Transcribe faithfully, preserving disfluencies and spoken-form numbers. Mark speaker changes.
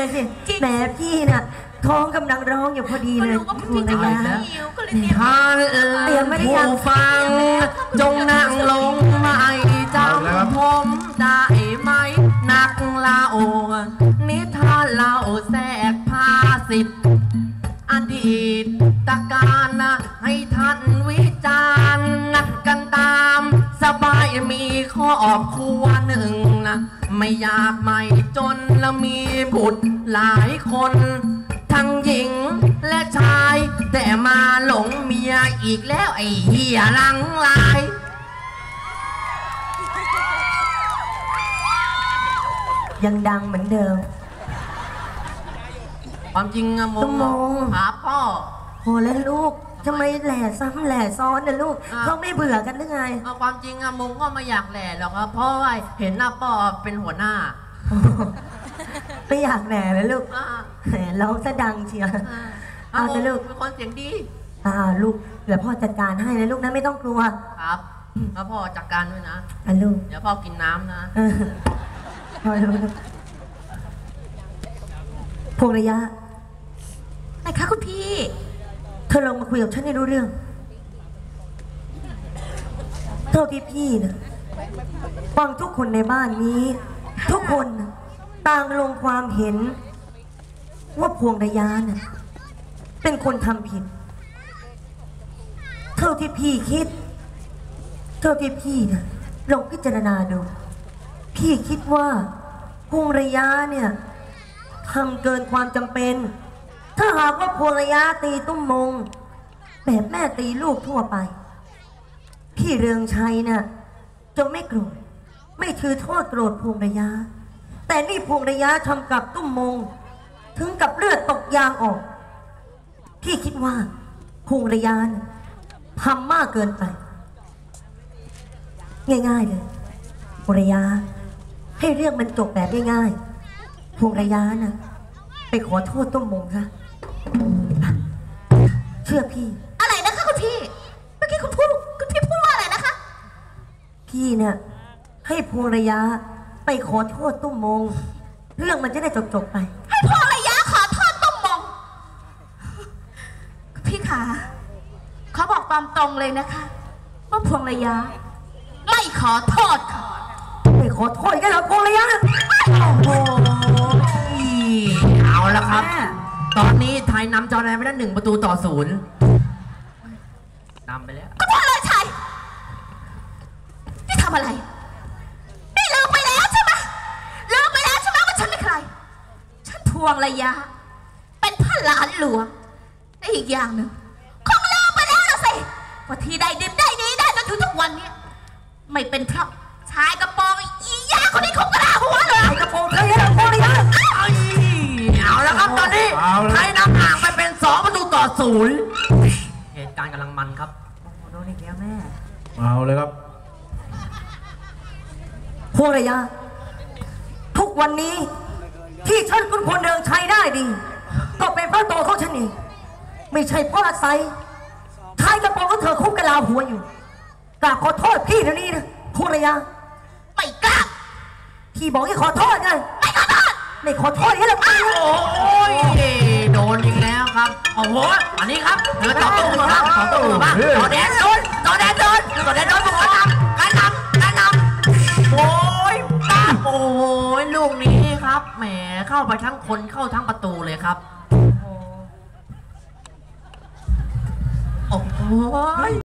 Speaker 1: เลยสิแหมพี่น่ะท้องกำลังร้องอยู่พอดีเลยพวงระยะ
Speaker 2: ท่านเอ๋ยผู้ฟังจงนั่งลงไม่จำผมได้ไหมนักเล่านิทานเล่าแทรกภาษิตอดีตตการนะให้ท่านวิจารณ์กันตามสบายมีครอบครัวหนึ่งนะไม่อยากไม่จนและมีบุตรหลายคนทั้งหญิงและชายแต่มาหลงเมียอีกแล้วไอ้เหี้ยหลังลาย
Speaker 1: ยังดังเหมือนเดิม
Speaker 2: ความจริงอะโม
Speaker 1: โม
Speaker 2: หาพ่อ
Speaker 1: โหแล้วลูกทำไมแหล่ซ้ำแหล่ซ้อนนะลูกเขาไม่เบื่อกันหรือไง
Speaker 2: ความจริงอะมงก็ไม่อยากแหล่หรอกครับเพราะว่าเห็นหน้าพ่อเป็นหัวหน้า
Speaker 1: ไม่อยากแหล่เลยลูกแหมร้องซะดังเชียวเอาแต่ลูก
Speaker 2: เป็นคนเสียงดี
Speaker 1: อ่าลูกเดี๋ยวพ่อจัดการให้นะลูกนะไม่ต้องกลัว
Speaker 2: ครับแล้วพ่อจัดการด้วยนะ
Speaker 1: อ่ะลูก
Speaker 2: เดี๋ยวพ่อกินน้ำนะ
Speaker 1: พอลูกพวงระยะ
Speaker 3: ไหนคะคุณพี่
Speaker 1: เธอลองมาคุยกับฉันให้รู้เรื่องเท่าที่พี่นะฟังทุกคนในบ้านนี้ทุกคนต่างลงความเห็นว่าพวงระยะน่ะเป็นคนทำผิดเท่าที่พี่คิดเท่าที่พี่นะลองพิจารณาดูพี่คิดว่าพวงระยะเนี่ยทำเกินความจำเป็นถ้าหากว่าพวงระยะตีตุ้มมงแบบแม่ตีลูกทั่วไปพี่เรืองชัยน่ะจะไม่โกรธไม่ถือโทษโกรธพวงระยะแต่นี่พวงระยะทำกับตุ้มมงถึงกับเลือดตกยางออกพี่คิดว่าพวงระยะทำมากเกินไปง่ายๆเลยพวงระยะให้เรื่องมันจบแบบง่ายๆพวงระยะน่ะไปขอโทษตุ้มมงซะเชื่อพี่
Speaker 3: อะไรนะคะคุณพี่เมื่อกี้คุณพูดคุณพี่พูดว่าอะไรนะคะ
Speaker 1: พี่เนี่ยให้พวงระยะไปขอโทษตุ้มมงเรื่องมันจะได้จบจบไป
Speaker 3: ให้พวงระยะขอโทษตุ้มมงคุณพี่ขาเขาบอกตามตรงเลยนะคะว่าพวงระยะไม่ขอโทษค่ะ
Speaker 1: ไม่ขอโทษกันเหรอพวงระยะ
Speaker 2: โอ้โหเอาละครับตอนนี้ไทยนำจอแดนไปได้หนึ่งประตูต่อศูนย์นำไปแล้ว
Speaker 3: ก็พ่อเลยชัยนี่ทำอะไรนี่ลืมไปแล้วใช่ไหมลืมไปแล้วใช่ไหมว่าฉันเป็นใครฉันพวงระยะเป็นพระหลานหลวงและอีกอย่างหนึ่งคงลืมไปแล้วนะสิว่าที่ได้ดิบได้ดีได้จนถึงทุกวันนี้ไม่เป็นเพราะชายกระโปรงอียาคนนี้คงกระลาหัวเลย
Speaker 1: กระโปรงเธอเนี่ยพวงระยะ
Speaker 2: เอาแล้วครับตอนนี้ไทยนำห่างไปเป็นสองประตูต่อศูนย์เหตุการณ์กำลังมันครับ
Speaker 1: โดนอีกแล้วแม่
Speaker 4: เอาเลยครับ
Speaker 1: พวงระยะทุกวันนี้ที่ฉันเป็นคนเดินชัยได้ดีก็เป็นเพราะตัวเขาฉันเองไม่ใช่เพราะอาศัยชายกระโปรงของเธอคุกกระลาหัวอยู่กราบขอโทษพี่เดี๋ยวนี้นะพวงระยะ
Speaker 3: ไม่กล้า
Speaker 1: พี่บอกให้ขอโทษไง
Speaker 3: ไม่ขอโทษ
Speaker 1: ไม่ขอโทษให้หรอก
Speaker 2: โอ้ยโดนอีกแล้วครับโอ้โหอันนี้ครับเธอต่อตู้ครับต่อตู้บ้างต่อแดนโดนต่อแดนโดนต่อแดนโดนการนำการนำการนำโอ้ยตาโอ้ยลูกนี้ครับแหมเข้าไปทั้งคนเข้าทั้งประตูเลยครับโอ้โห